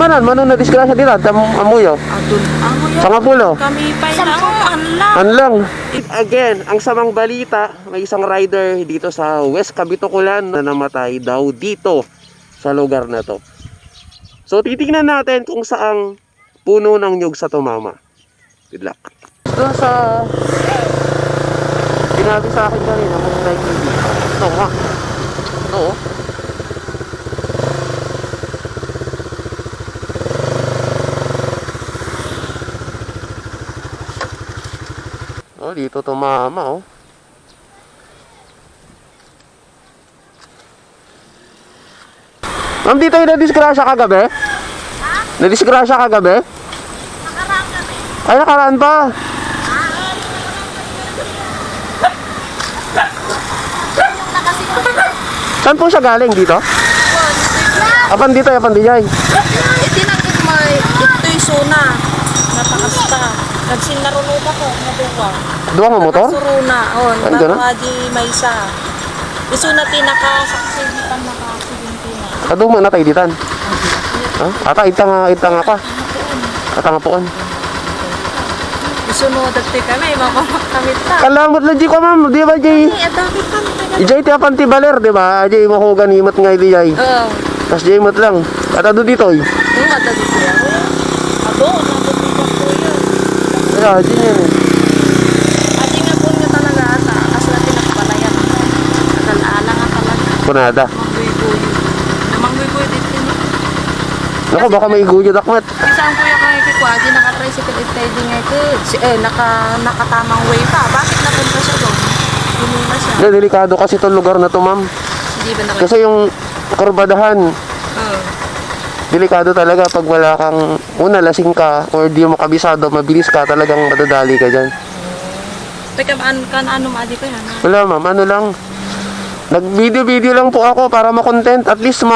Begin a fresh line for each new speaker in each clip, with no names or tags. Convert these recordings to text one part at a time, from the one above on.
manan, manon na disgrasya dito, amuyo.
Adun, amuyo.
Sa Mapulo.
Kami pa lang, anlang.
Anlang. Again, ang samang balita, may isang rider dito sa West Kabitukulan na namatay daw dito sa lugar na to. So titingnan natin kung saang puno ng nyug sa tumama. Good luck. Doon sa sinabi sa akin kanina kung like hindi. Ito ha. Ito oh. Oh, dito tumama oh. Ma'am, dito yung nadisgrasya kagabi? Ha? Nadisgrasya kagabi?
Nakaraan kami.
Ay, nakaraan pa. Saan po siya galing? Dito? Apan dito, apan dijay?
Itinangin mo, ito'y suna. Napakasta. Nagsinarunod ako, naduwa.
Duwa mo motor?
Suruna,
Ay, ganun?
nakadi may isa. Isuna tinakasaksigitan nakasigin na.
Kaduma na tayo ditan. Ata, itang pa. Ata nga poon.
Isunod at kami, makakamit ta.
Kalamot na di ko ma'am, di ba jay?
Ay, adami kami.
Ijay ti apan ti baler, di ba? Jay mo ko ganimot nga di jay.
Oo.
Tas jay mot lang. At ado dito eh.
Yung adami ko yan. Ado, nandun ko yun.
Kaya, di yan eh.
Adi nga po nga talaga ata. Kasi natin nakapalayan. Nagalaala nga talaga.
Kunada.
Mangguy-guy. Namangguy-guy dito niya.
Naku, baka may guyod akmat.
Isa ang kuya kay Kikwadi, naka-tricycle steady nga ito. Nakatamang way pa. Bakit napunta siya doon? Hinula siya.
Yeah, delikado kasi itong lugar na to ma'am.
Hindi ba nakita?
Kasi yung kurbadahan,
Oo.
delikado talaga pag wala kang, una lasing ka or di mo kabisado, mabilis ka, talagang madadali ka dyan.
Teka, ano maadi ko yan?
Wala ma'am, ano lang, nag-video lang po ako para ma-content, at least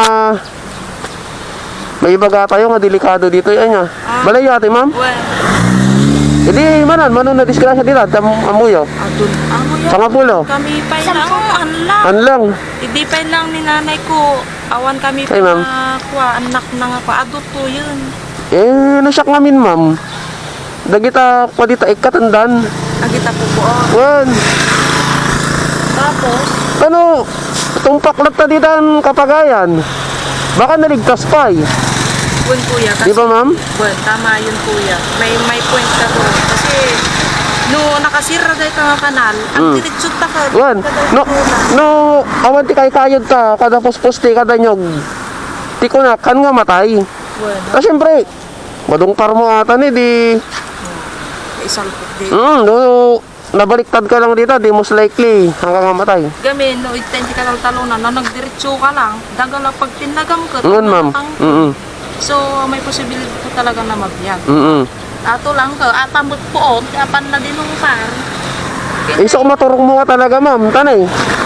may ibaga tayo nga delikado dito yan nga. Balay ate ma'am?
Well,
Hindi manon na disgrasya dito, amuyo.
adun, amuyo.
Sa Mapulo.
Kami pa lang, anlang.
Anlang.
Hindi pa lang ni nanay ko. Awan kami pa
Ay, ma'am.
kuha, anak na nga pa. Adot to yun.
Nasyak namin ma'am. Dagita pa dito, ikatandan.
Agita po po.
Wan.
Tapos,
Ano, tumpaklat na dito ang Kapagayan. Baka naligtas pa eh.
bun kuya.
Di ba ma'am?
Bun, tama yun kuya. May point ka doon. Kasi, no nakasira dahil ka nga kanal, ang diritsot ta ka.
Wan. No, awan ti kayod ka, kada poste kada nyog. Ti ko na, kan nga matay.
Bun,
Kasi syempre, madungkar mo ata ni di.
isang di.
No, nabaliktad ka lang dito, di most likely hanggang mamatay.
Gamin, no, itensi ka talunan, no, nagdiretso ka lang, dagal lang pag tinagam ka.
Ma'am.
So, may posibilidad po talaga na mabiyag. Ato lang ka, atamot po, apan na din ng par.
Isok maturong mo ka talaga ma'am, tanay.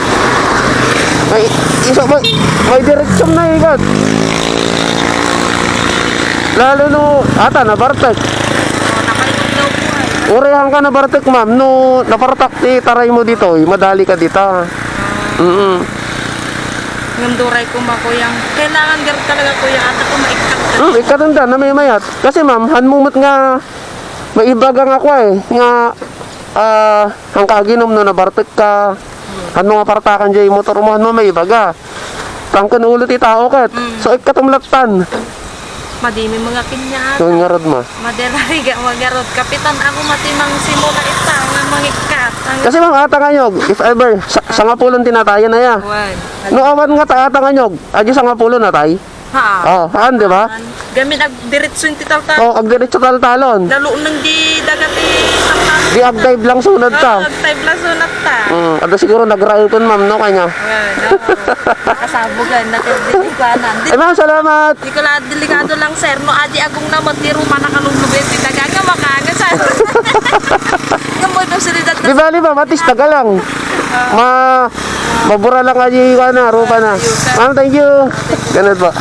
May direksyon na ikot. Lalo no, ata nabartek.
Nakalimog daw po ay.
Urehan ka nabartek ma'am, no napartak ti taray mo dito, madali ka dito.
Ngunduray ko ba kuyang, kailangan gar talaga kuya, ata ko maikat ka.
Ikatanda na may mayat. Kasi ma'am, hanmumot nga may ibagang ako eh. Nga, ang kaginom no nabartek ka. Ano nga partakan dyan yung motor mo, ano may ibaga. Tangkan ulit itao kat. So ikatumlatan.
Madimi mga kinya.
Yung nga rod ma.
Maderay ga magarod. Kapitan ako matimang simula ita nga mangikat.
Kasi ma'am, ata kanyog, if ever, sa nga pulon tinatayan na ya.
Wan.
No awan nga ta ata kanyog, adyo sa nga pulon na tay.
Ha.
Haan, di ba?
Gamit ag diretso yung titaltal.
Ag diretso talon.
Lalo nang di dagati taltal.
Di ag-dive lang sunod ka.
Nag-type lang sunat ta.
Ada siguro nag-rail kun ma'am, no kanya.
Nakasabugan na delikado.
Eh ma'am, salamat.
Di ko lang delikado lang sir. No adi agong na matiro manakalulubin ti tagaga makaangasan. Gamoy daw silidad
Di bali ba, matis taga lang. Mabura lang aja yung rupa na. Ma'am, thank you. Ganun po.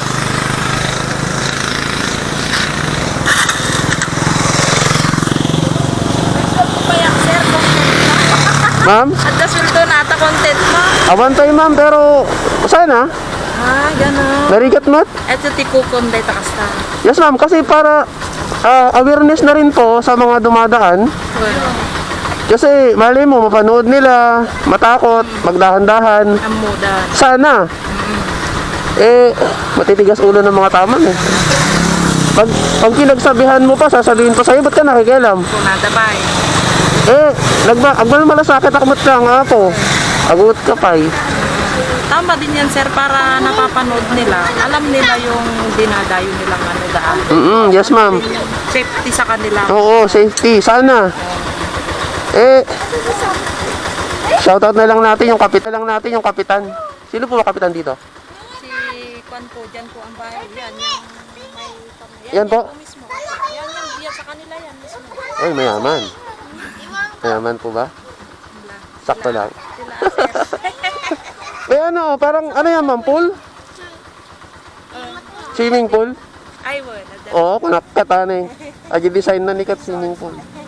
Ma'am?
At sweldo na ata content mo.
Abantay ma'am, pero sana.
Ah, gano'n.
Narigat mat?
Ito tikukon day takasta.
Yes ma'am, kasi para awareness na rin po sa mga dumadaan. Kasi mali mo, mapanood nila, matakot, magdahan-dahan.
Amudan.
Sana. Matitigas ulo ng mga taman eh. Pag pinagsabihan mo pa, sasabihin pa sa'yo, ba't ka nakikialam?
Kung nadabay.
Agmal malasakit akmat lang ako. Agut ka pa eh.
Tama din yan, sir, para napapanood nila. Alam nila yung dinadayo nilang ano daan.
Yes ma'am.
Safety sa kanila.
Oo, safety. Sana. Shoutout na lang natin yung kapitan. Sino po ba kapitan dito?
Si Kwan po, dyan po ang bahay. Yan, yung may...
Yan po.
Mismo. Yan sa kanila yan mismo.
Ay, mayaman. Mayaman po ba? Sakto lang.
Sila, sir.
Parang ano yan ma'am, pool? Swimming pool?
Ay, wala.
Oo, kunakata na eh. Agi design na ni kat swimming pool.